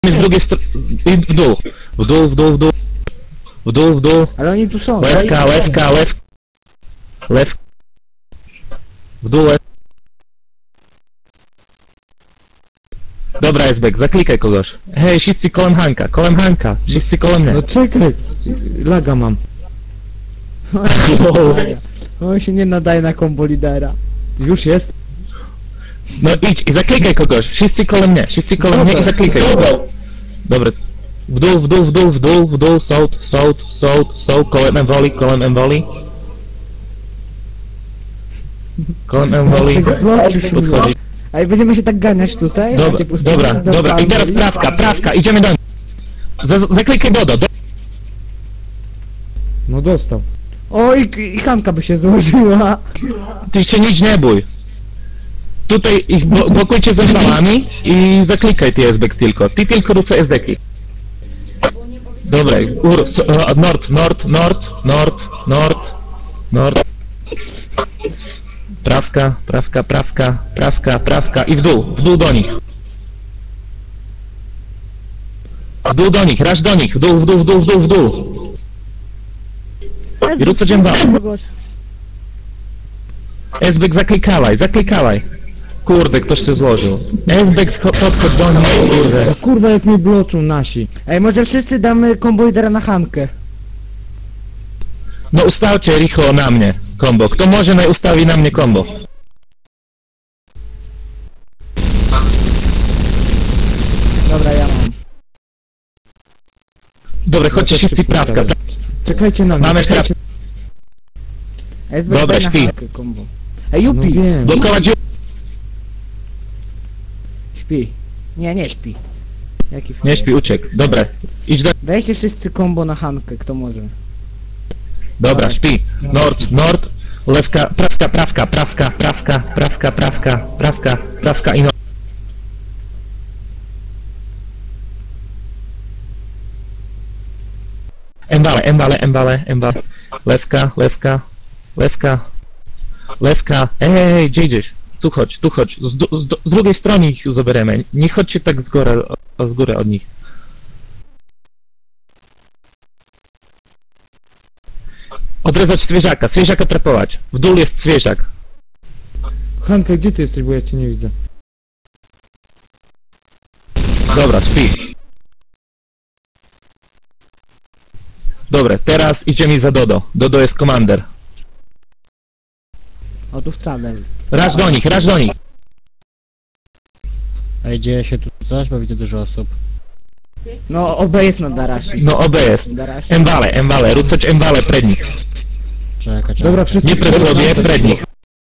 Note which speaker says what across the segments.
Speaker 1: Z drugiej strony... W dół. W dół, w dół, w dół. W dół, w dół.
Speaker 2: Ale oni tu są.
Speaker 1: Łewka, łewka, łewka. Lew. W dół, łeb. Dobra, Esbek, zaklikaj kogoś. Hej, wszyscy kołem Hanka, kołem Hanka. Wszyscy kołem mnie.
Speaker 3: No czekaj, laga mam.
Speaker 2: On się nie nadaje na kombo lidera.
Speaker 3: Już jest?
Speaker 1: No idź i zaklikaj kogoś. Wszyscy kołem mnie, wszyscy kołem mnie i zaklikaj. Dobra. W dół, w dół, w dół, w dół, w dół, sołd, sołd, sołd, sołd, kołem Emboli, kołem Emboli. Kołem Emboli. Podchodzi.
Speaker 2: A i będziemy się tak ganiać tutaj?
Speaker 1: Dobra,
Speaker 2: Macie pustynię,
Speaker 1: dobra, dobra. I teraz prawka, prawka, idziemy do nich. Zaklikaj Dodo.
Speaker 3: No dostał.
Speaker 2: O, i Hanka by się złożyła.
Speaker 1: Ty się nic nie bój. Tutaj ich blokujcie ze strzałami i zaklikaj ty SBek tylko. Ty tylko rób SD-ki. Dobra, nord, nord, nord, nord, nord, nord. Prawka, prawka, prawka, prawka, prawka i w dół do nich. W dół do nich, raż do nich, w dół, w dół, w dół, w dół, w dół. I rób co dzień SBek zaklikałaj, zaklikałaj. Kurde, ktoś się złożył. SBek podchodź do nich, kurde.
Speaker 3: O kurwa, jak mnie bloczą nasi.
Speaker 2: Ej, może wszyscy damy kombo lidera na Hankę.
Speaker 1: No ustawcie Richo na mnie kombo. Kto może, naj ustawi na mnie kombo.
Speaker 2: Dobra, ja mam.
Speaker 1: Dobra, chodźcie wszyscy prawka.
Speaker 3: Czekajcie na mnie.
Speaker 1: Mamy prawkę.
Speaker 2: SB
Speaker 1: Dobra,
Speaker 2: daj na
Speaker 1: śpi.
Speaker 2: Hankę kombo. Ej,
Speaker 3: No
Speaker 2: Jupi!
Speaker 3: wiem.
Speaker 1: Blokować
Speaker 2: Śpi. Nie śpi. Jaki
Speaker 1: Nie śpi, uciekł. Dobra, idź do...
Speaker 2: Weźcie wszyscy kombo na Hankę, kto może.
Speaker 1: Dobra, śpi. Nord, nord, lewka, prawka, prawka, prawka, prawka, prawka, prawka, prawka, prawka i nord. Embale, embale, embale, embale. Lewka, lewka, lewka, lewka. Ej, gdzie idziesz? Tu chodź, tu chodź. Z drugiej strony ich zabieramy. Nie chodźcie tak z góry od nich. Odrezać zwierzaka, zwierzaka trapować. W dół jest zwierzak.
Speaker 3: Hanka, gdzie ty jesteś, bo ja cię nie widzę.
Speaker 1: Dobra, śpi. Dobra, teraz idziemy za Dodo. Dodo jest komander.
Speaker 2: O, tu wcale.
Speaker 1: Raż do nich, raż do nich.
Speaker 4: Ej, dzieje się tu coś, bo widzę dużo osób.
Speaker 2: No, OB jest na Darashi.
Speaker 1: No OB jest.
Speaker 2: Darashi.
Speaker 1: Embale, embale, rucać embale przed nich.
Speaker 4: Czekaj.
Speaker 3: Dobra, wszyscy...
Speaker 1: Nie przed sobie, przed nich.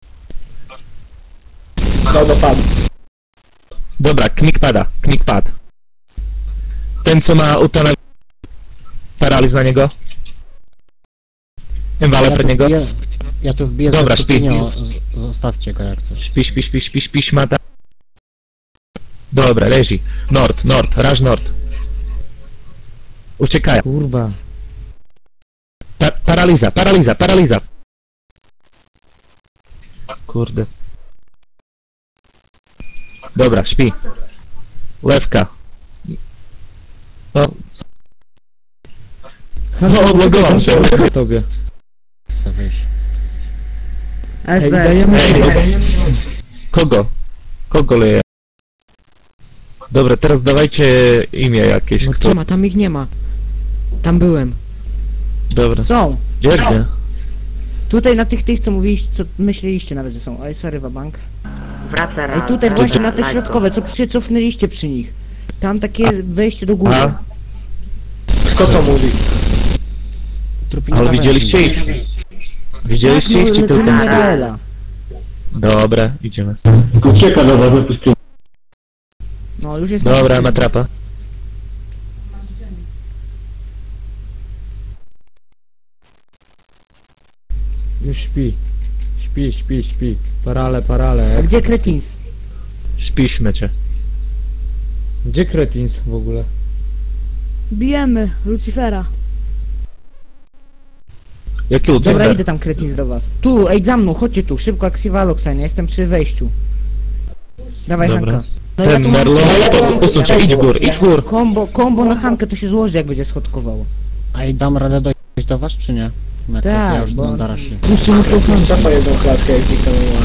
Speaker 2: Dodo padł.
Speaker 1: Dobra, knik pada, knik pad. Ten co ma utonę... Paraliz na niego. Embale przed niego.
Speaker 4: Ja tu wbiję
Speaker 1: Dobra,
Speaker 4: za
Speaker 1: śpi.
Speaker 4: stopnią, zostawcie go jak coś.
Speaker 1: Śpi, śpi, śpi, śpi, śpi, szmata. Dobra, leży. Nord, nord, raż nord. Uciekają.
Speaker 3: Kurwa.
Speaker 1: Paraliza, paraliza, paraliza. Kurde. Dobra, śpi. Lewka. No. No, odlogowałem się.
Speaker 3: Tobie.
Speaker 4: Chcę wyjść.
Speaker 3: Ej,
Speaker 2: SB.
Speaker 3: dajemy...
Speaker 1: Ej, kogo? Kogo leje? Dobra, teraz dawajcie imię jakieś.
Speaker 2: No
Speaker 1: Kto?
Speaker 2: nie ma, tam ich nie ma. Tam byłem.
Speaker 1: Dobra.
Speaker 2: Są.
Speaker 1: Gdzie?
Speaker 2: Tutaj na tych, co mówiliście, co myśleliście nawet, że są. Oj, sorry, wabank.
Speaker 5: Wraca
Speaker 2: Ej, tutaj
Speaker 5: na-
Speaker 2: właśnie na te
Speaker 5: na-
Speaker 2: środkowe, co się cofnęliście przy nich. Tam takie wejście do góry.
Speaker 1: A?
Speaker 6: Kto co mówi?
Speaker 4: Trupina
Speaker 1: Ale
Speaker 4: na
Speaker 1: widzieliście
Speaker 4: węży.
Speaker 1: ich? Widzieliście ich czy tylko...
Speaker 2: Lecimy Raela.
Speaker 1: Dobra, idziemy.
Speaker 6: Ucieka do was, wypuścił.
Speaker 2: No, już jest...
Speaker 1: Dobra, ma trapa.
Speaker 3: Już śpi. Śpi, śpi, śpi. Parale, parale.
Speaker 2: A gdzie Kretins?
Speaker 1: Śpiśmy cię.
Speaker 3: Gdzie Kretins w ogóle?
Speaker 7: Bijemy Lucifera.
Speaker 1: Jaki
Speaker 2: Dobra,
Speaker 1: uciek?
Speaker 2: idę tam Kretins do was. Tu, ej, za mną, chodźcie tu, szybko jak Sivalox, ja jestem przy wejściu. Dawaj
Speaker 1: Dobra.
Speaker 2: Hanka. No ja
Speaker 1: Ten
Speaker 2: tu mam-
Speaker 1: Merlon, usuń się, idź w gór, idź w gór.
Speaker 2: Kombo na Hankę to się złoży, jak będzie schodkowało.
Speaker 4: A i dam radę dojść do was, czy nie? Metro,
Speaker 2: Tak,
Speaker 4: ja już
Speaker 2: bo-
Speaker 4: znam Darashi.
Speaker 2: Puśćcie mu tą Hankę.
Speaker 6: Cofa jedną klatkę, jak zniknął ale.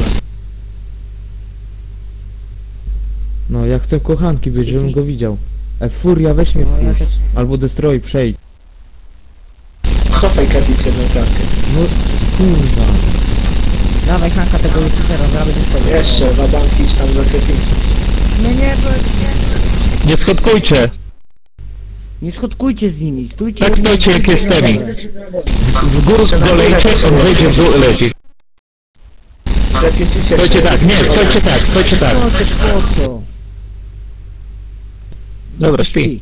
Speaker 3: No, ja chcę kochanki być, żebym go widział. Furia, weź mnie
Speaker 2: No, ja
Speaker 3: wpuść.
Speaker 2: też-
Speaker 3: Albo Destroy, przejdź.
Speaker 6: Cofaj Katic jedną klatkę.
Speaker 3: No, kurwa.
Speaker 2: Dawaj Hanka tego Lucifera, zaraz będzie wchodził.
Speaker 6: Jeszcze, wabank idź tam za Katica.
Speaker 2: Nie,
Speaker 1: Nie schodkujcie.
Speaker 2: nie schodkujcie z nimi, stójcie.
Speaker 1: Tak stoicie jak jestemi. W górę dolejcie, on wejdzie w dół i leci.
Speaker 6: Katic idź
Speaker 1: Stoicie tak, nie, stoicie tak, stoicie tak.
Speaker 2: Po co?
Speaker 1: Dobra, śpi.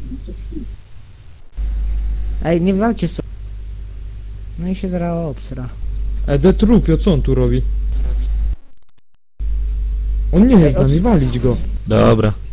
Speaker 2: Ej, nie walcie sobie. No i się zaraz obsra.
Speaker 3: Detrupio, co on tu robi? On nie jest z nami, walić go.
Speaker 1: Dobra.